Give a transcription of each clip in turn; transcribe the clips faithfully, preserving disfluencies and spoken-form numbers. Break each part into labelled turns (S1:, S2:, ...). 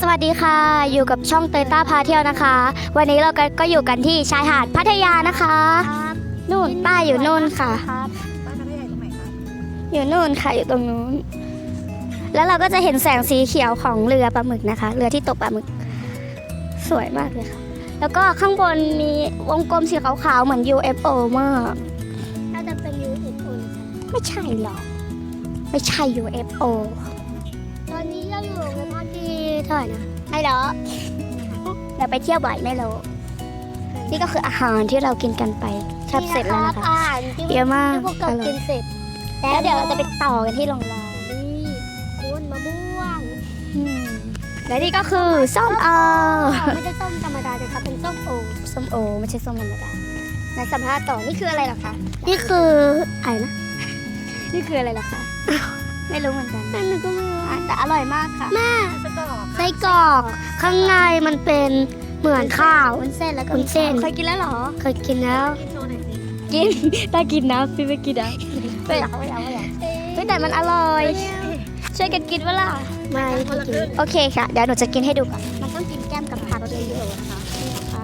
S1: วัสดีค่ะอยู่กับช่องเตยต้าพาเที่ยวนะคะ วันนี้เราก็อยู่กันที่ชายหาดพัทยานะคะนู่นป้าอยู่นู่นค่ะ
S2: ป้าพัทยาตรงไหนคะ
S1: อยู่นู่นค่ะอยู่ตรงนู้นแล้วเราก็จะเห็นแสงสีเขียวของเรือปลาหมึกนะคะ เรือที่ตกปลาหมึกสวยมากเลยค่ะแล้วก็ข้างบนมีวงกลมสีขาวๆเหมือน ยู เอฟ โอ มากน่าจะเป็น ยู เอฟ โอ ไม่ใช่หรอกไม่ใช่ ยู เอฟ โอ ตอนนี้เราอยู่ในภาคที่เท่าไหร่นะไม่หรอเราไปเที่ยวบ่อยไม่รู้นี่ก็คืออาหารที่เรากินกันไปแทบเสร็จแล้วนะคะ
S3: อาหารที่
S1: เยอะมาก
S3: ที่พวกเรากินเสร็จ
S1: แล้วเดี๋ยวเราจะไปต่อกันที่โรงแรม
S3: นี่คุณมะม่วง
S1: อืมและนี่ก็คือส้มโอ
S3: ไม่ใช่ส้มธรรมดาเลยค่ะเป็นส้มโอ
S1: ส้มโอไม่ใช่ส้มธรรมดาในสัมภาษณ์ต่อนี่คืออะไรเหรอคะนี่คืออะไรนะนี่คืออะไรเหรอคะไม่รู้เหมือนกัน
S3: นั่นก็ไม่รู้
S1: อ่ะแต่อร่อยมากค่ะ
S3: แม่
S2: สตอ
S1: ไส้กรอกข้างในมันเป็นเหมือนข้าว
S3: วุ้นเส้นแล้วก็
S1: วุ้นเส้น
S3: เคยกินแล้วเหรอ
S1: เคยกินแล้ว
S2: กินโชว์หน่อยสิ
S1: กินได้กินนะพี่ไม่กินนะ
S3: ไม่อยากไม่อยากไม่อยาก
S1: เฮ้ยแต่มันอร่อย ช่วยกันกินเวล่ะ
S3: ไม่
S2: คนละครึ่ง
S1: โอเคค่ะ เดี๋ยวหนูจะกินให้ดูก่อน
S3: มันต้องกินแก้มกับผักเยอะๆนะคะนี่นะคะ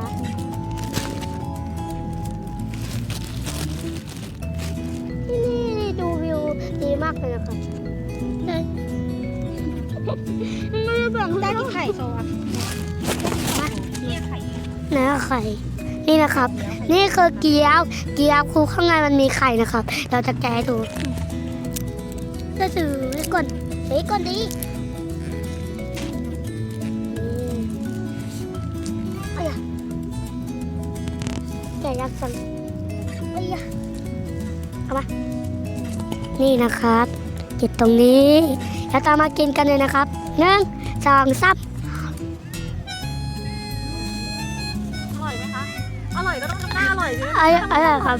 S3: ที่นี่ดูวิวดีมากเลยนะคะเลยไม่ได้แบ่ง
S2: ได้
S3: ได้
S2: ที่ไข่โชว์อะเนี่ยไข่
S1: นะไข่นี่นะครับ นี่คือเกี๊ยวเกี๊ยวคือข้างในมันมีไข่นะครับ เราจะแกะให้ดู
S3: จะถือไว้ก่อนเฮ้ยก่อนดิเอ้ยแกะยักษ์สันเอ้ย
S1: นี่นะครับจิตตรงนี้ แล้วตามมากินกันเลยนะครับหนึ่งสองสาม
S2: อร่อยไหมคะ อร่อยก็ต้องทำหน้าอร่อยด้วย
S1: อร่อยอร่อยครับ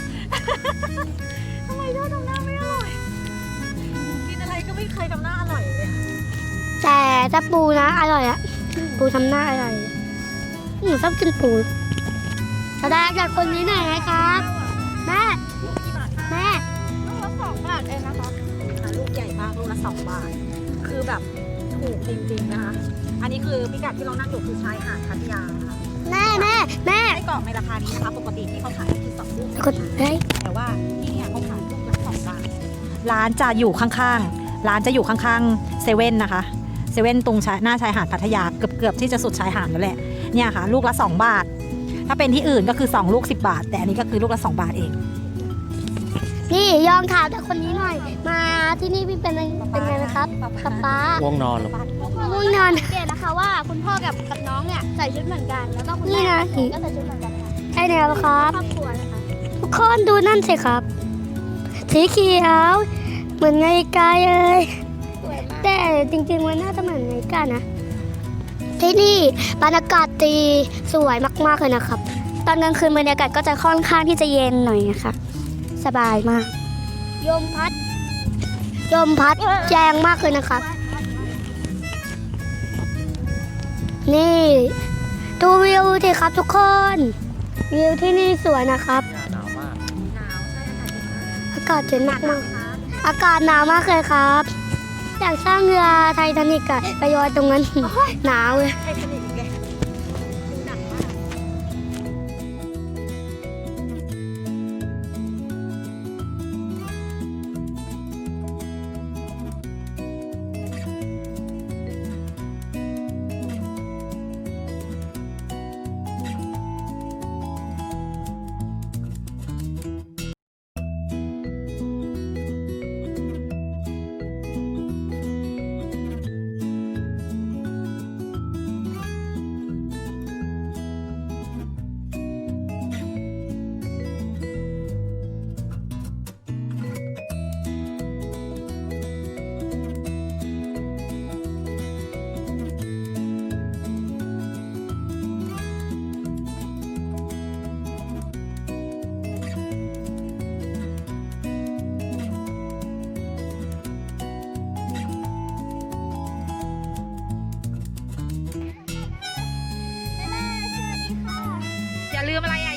S2: ทำไมชอบทำหน้าไม่อร่อย กินอะไรก็ไม่เคยทำหน้าอร่อยเลย
S1: แต่ถ้าปูนะอร่อยอะปูทำหน้าอร่อยหนูชอบกินปูแสดงจากคนนี้หน่อยนะครับแม่แม่
S2: ลูกละสองบาทเองนะคะลูกใหญ่มากลูกละสองบาท คือแบบถูกจริงๆนะคะ อันนี้คือพิกัดที่เรานั่งอยู่คือชายหาดพัทยานะคะ
S1: แม่แม่แม่
S2: ไส้กรอกในราคานี้นะคะปกติที่เขาขายคือสองลูก
S1: กดได้
S2: แต่ว่าที่เนี่ยเขาขายลูกละสองบาท ร้านจะอยู่ข้างๆ ร้านจะอยู่ข้างๆเซเว่นนะคะ เซเว่นตรงชายหน้าชายหาดพัทยาเกือบๆที่จะสุดชายหาดแล้วแหละ เนี่ยค่ะ ลูกละสองบาท ถ้าเป็นที่อื่นก็คือสองลูกสิบบาท แต่อันนี้ก็คือลูกละสองบาทเอง
S1: นี่ยองถามจากคนนี้หน่อย มาที่นี่พี่เป็นไงเป็นไงนะครับป๊าป๊า
S4: ง่วงนอนหรอ
S1: ง่วงนอน
S3: สังเกตนะคะว่าคุณพ่อกับกับน้องเนี่ยใส่ชุดเหมือนกัน แล้วก็คุณ
S1: นี่
S3: แม่
S1: นะ
S3: ก็ใส่ชุดเหมือนกันค่ะ
S1: ใช่แล้วครับ
S3: ครอบครัวนะคะ
S1: ทุกคนดูนั่นสิครับ สีเขียว เหมือนไงกายเลย
S3: สวยมาก
S1: แต่จริงๆมันน่าจะเหมือนไงกานะ ที่นี่บรรยากาศดีสวยมากๆเลยนะครับ ตอนกลางคืนบรรยากาศก็จะค่อนข้างที่จะเย็นหน่อยนะคะสบายมาก
S3: ยมพัด
S1: ลมพัดแรงมากเลยนะครับ นี่ดูวิวสิครับทุกคน วิวที่นี่สวยนะครับ
S4: หนาวมาก
S2: หนาวใช่ค่ะ
S1: อากาศเย็นมากมากอากาศหนาวมากเลยครับ อยากสร้างเรือไททานิกอะไปลอยตรงนั้น หนาวเลย
S2: ไททานิกอีกเลยดูหนักมาก อย่าลืมอะไรอ่ะ